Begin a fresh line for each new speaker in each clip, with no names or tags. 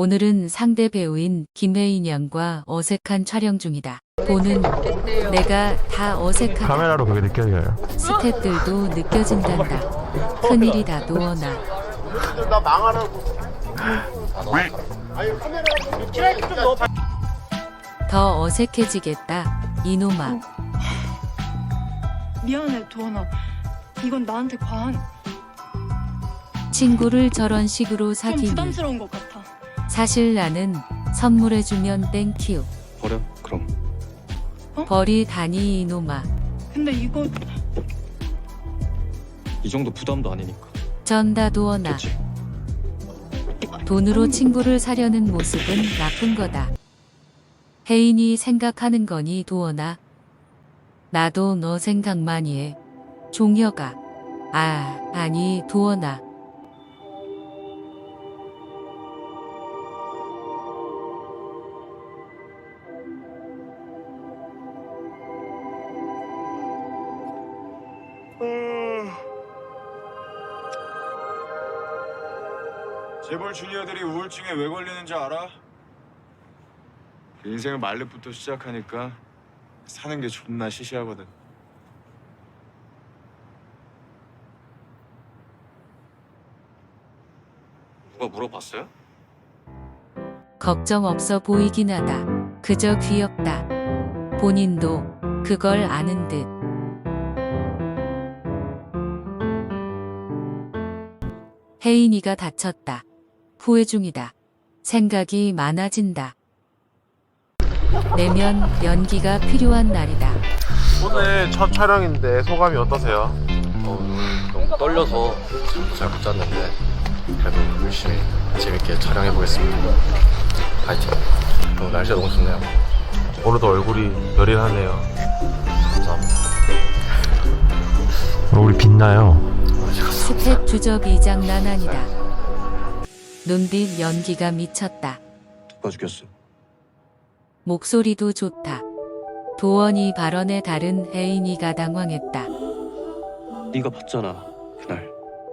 오늘은 상대 배우인 김혜인 양과 어색한 촬영 중이다. 보는 내가 다 어색하다.
카메라로 그게 느껴져요.
스태프들도 느껴진단다. 큰일이다 도원아.
나 망하라고.
더 어색해지겠다. 이놈아.
미안해 도원아, 이건 나한테 과한,
친구를 저런 식으로
좀
사귀니.
부담스러운 것 같아.
사실 나는 선물해주면 땡큐.
버려 그럼.
버리다니 이놈아.
근데 이거
이 정도 부담도 아니니까.
전다 도원아.
그치?
돈으로 친구를 사려는 모습은 나쁜 거다. 혜인이 생각하는 거니 도원아. 나도 너 생각 많이 해. 종혁아. 아니 도원아.
재벌 주니어들이 우울증에 왜 걸리는지 알아? 인생을 말렙부터 시작하니까 사는 게 존나 시시하거든.
누가 물어봤어요?
걱정 없어 보이긴 하다. 그저 귀엽다. 본인도 그걸 아는 듯. 혜인이가 다쳤다. 후회 중이다. 생각이 많아진다. 내면 연기가 필요한 날이다.
오늘 첫 촬영인데 소감이 어떠세요?
너무 떨려서 잠도 잘 못 잤는데 그래도 열심히 재밌게 촬영해 보겠습니다. 파이팅. 오늘 날씨가 너무 좋네요.
오늘도 얼굴이 열일하네요.
감사합니다.
얼굴이 빛나요.
스텝 주접이 장난 아니다. 눈빛 연기가 미쳤다.
누가 죽였어?
목소리도 좋다. 도원이 발언에 다른 혜인이가 당황했다.
네가 봤잖아 그날.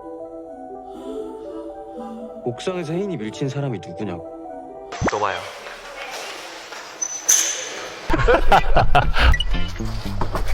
옥상에서 혜인이 밀친 사람이 누구냐고.
또 봐요.